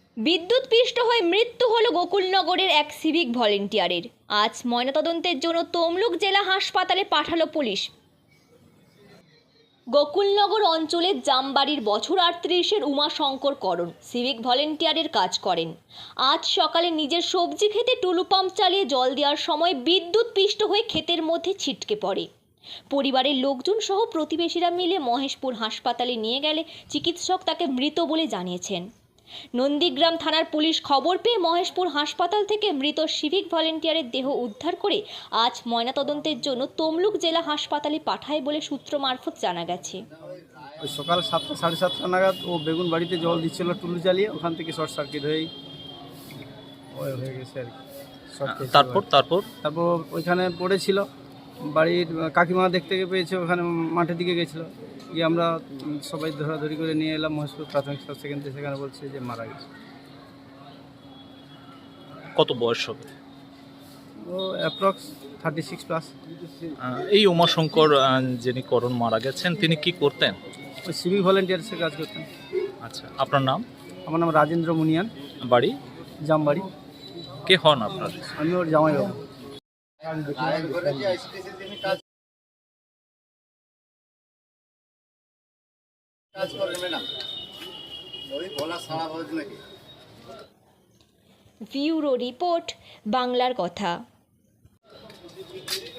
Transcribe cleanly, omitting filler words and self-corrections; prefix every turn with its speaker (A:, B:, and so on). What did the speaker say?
A: বিদ্যুৎপৃষ্ট হয়ে মৃত্যু হলো গোকুলনগরের এক সিভিক ভলেন্টিয়ারের। আজ ময়নাতদন্তের জন্য তমলুক জেলা হাসপাতালে পাঠালো পুলিশ। গোকুলনগর অঞ্চলের জামবাড়ির বছর 38-এর উমাশঙ্কর করণ সিভিক ভলেন্টিয়ারের কাজ করেন। আজ সকালে নিজের সবজি খেতে টুলু পাম্প চালিয়ে জল দেওয়ার সময় বিদ্যুৎপৃষ্ট হয়ে ক্ষেতের মধ্যে ছিটকে পড়ে। পরিবারের লোকজন সহ প্রতিবেশীরা মিলে মহেশপুর হাসপাতালে নিয়ে গেলে চিকিৎসক তাকে মৃত বলে জানিয়েছেন। নন্দীগ্রাম থানার পুলিশ খবর পেয়ে মহেশপুর হাসপাতাল থেকে মৃত সিভিক ভলেন্টিয়ারের দেহ উদ্ধার করে আজ ময়নাতদন্তের জন্য তমলুক জেলা হাসপাতালে পাঠায় বলে সূত্র মারফত জানা গেছে।
B: সকাল 7টা সাড়ে 7টা নাগাদ ও বেগুন বাড়িতে জল দিচ্ছিল টুলু জ্বালিয়ে, ওখান থেকে শর্ট সার্কিট হয়ে গেছে আর কি।
C: তারপর
B: ওইখানে পড়েছিল। বাড়ির কাকিমা দেখতে পেয়েছে, ওখানে মাঠের দিকে গেছিলো, গিয়ে আমরা সবাই ধরাধরি করে নিয়ে এলাম মহেশপুর প্রাথমিক স্বাস্থ্য কেন্দ্রে। সেখানে বলছে যে মারা গেছে।
C: কত বয়স হবে?
B: ও অ্যাপ্রক্স 36+।
C: এই উমাশঙ্কর যিনি করণ মারা গেছেন তিনি কি করতেন?
B: ওই সিভিক ভলেন্টিয়ার্সের কাজ করতেন।
C: আচ্ছা, আপনার নাম?
B: আমার নাম রাজেন্দ্র মুনিয়ান,
C: বাড়ি?
B: জামবাড়ি।
C: কে হন আপনার?
B: আমি ওর জামাইবাবু।
A: ব্যুরো রিপোর্ট, বাংলার কথা।